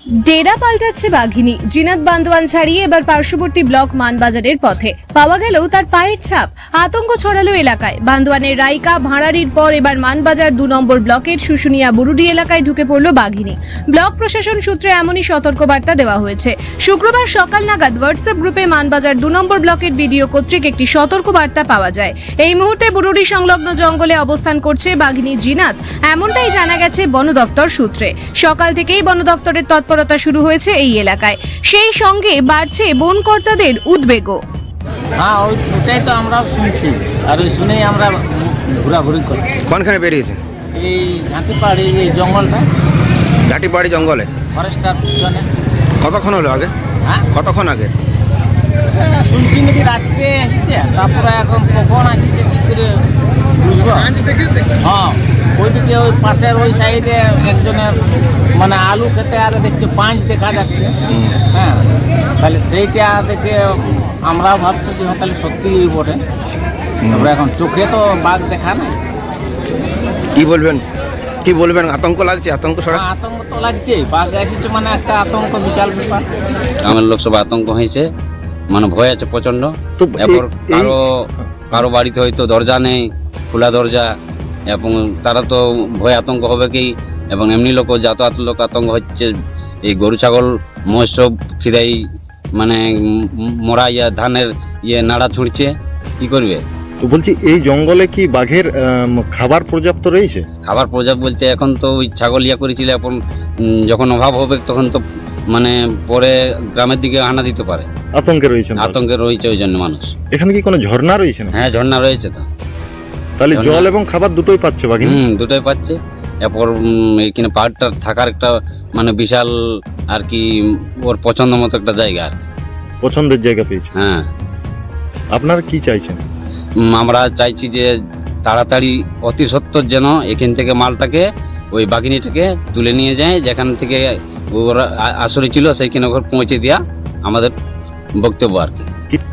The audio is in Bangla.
ডেরা পাল্টাচ্ছে বাঘিনী। জিনাত বান্দোয়ান ছাড়িয়ে এবার পার্শ্ববর্তী ব্লক মানবাজারের পথে পাওয়া গেল তার পায়ের ছাপ। আতঙ্ক ছড়ালো এলাকায়। বান্দোয়ানের রাইকা ভাঁড়ারির পর এবার মানবাজার 2 নম্বর ব্লকের শুশুনিয়া বুরুডি এলাকায় ঢুকে পড়ল বাঘিনী। ব্লক প্রশাসন সূত্রে এমনই সতর্কবার্তা দেওয়া হয়েছে। শুক্রবার সকাল নাগাদ হোয়াটসঅ্যাপ গ্রুপে মানবাজার 2 নম্বর ব্লকের বিডিও কর্তৃক একটি সতর্কবার্তা পাওয়া যায়। এই মুহূর্তে বুরুডি সংলগ্ন জঙ্গলে অবস্থান করছে বাঘিনী জিনাত, এমনটাই জানা গেছে বন দফতর সূত্রে। সকাল থেকেই বন দফতরের তৎপরতা শুরু হয়েছে এই এলাকায়। সেই সঙ্গে বাড়ছে বনকর্তাদের উদ্বেগও। হ্যাঁ, ওটাই তো আমরা শুনছি, আর ওই শুনেই আমরা ঘোরাঘুরি করছি। কোনখানে বেরিয়েছে? এই ঝাঁটিপাড়ি, এই জঙ্গলটা, ঘাটিবাড়ি জঙ্গলে। ফরেস্টার পিছনে। কতক্ষণ হলো আগে? হ্যাঁ, কতক্ষণ আগে? শুনছি নাকি রাত্রে আসছে, তারপরে এখন কখন আসছে কি করে বুঝবো। হ্যাঁ, ওইদিকে ওই পাশের ওই সাইডে একজনের মানে আলু খেতে আর দেখছে পাঁচ দেখা যাচ্ছে। হ্যাঁ, তাহলে সেইটা দেখে আমরাও ভাবছি যে তাহলে সত্যিই বটে। তারপরে এখন চোখে তো বাঘ দেখা নাই। কি বলবেন? আতঙ্ক লাগছে? আতঙ্ক ছড়া? আতঙ্ক তো লাগছে, বাঘ এসেছে মানে একটা আতঙ্ক, বিশাল ব্যাপার। আমার লোক সব আতঙ্ক হয়েছে, মানে ভয় আছে প্রচন্ড। তো এরপর কারো বাড়িতে হয়তো দরজা নেই, খোলা দরজা, এবং তারা তো ভয় আতঙ্ক হবে কি, এবং এমনি লোক যাতায়াত লোক আতঙ্ক হচ্ছে। এই গরু ছাগল মৎস্য খিদাই মানে মরা ধানের নাড়া ছুঁড়ছে, কি করবে? তো বলছি, এই জঙ্গলে কি বাঘের খাবার পর্যাপ্ত রয়েছে? খাবার পর্যাপ্ত বলতে এখন তো ওই ছাগল করেছিল, এখন যখন অভাব হবে তখন তো মানে পরে গ্রামের দিকে হানা দিতে পারে। আতঙ্কে রয়েছে? আতঙ্কে রয়েছে ওই জন্য মানুষ। এখানে কি কোনো ঝর্ণা রয়েছে না? হ্যাঁ, ঝর্ণা রয়েছে তো। তাহলে জল এবং খাবার দুটোই পাচ্ছে বাঘিনী? দুটোই পাচ্ছে। এরপর এখানে পাহাড়টা থাকার একটা মানে বিশাল আর কি ওর পছন্দ মতো একটা জায়গা আর কি। পছন্দের জায়গা পেয়েছে। হ্যাঁ, আপনারা কি চাইছেন? আমরা চাইছি যে তাড়াতাড়ি অতি সত্বর যেন এখান থেকে মালটাকে, ওই বাঘিনীটাকে তুলে নিয়ে যায়, যেখান থেকে ওরা আসলে ছিল সেইখানে ওখানে পৌঁছে দেওয়া আমাদের বক্তব্য আর কি।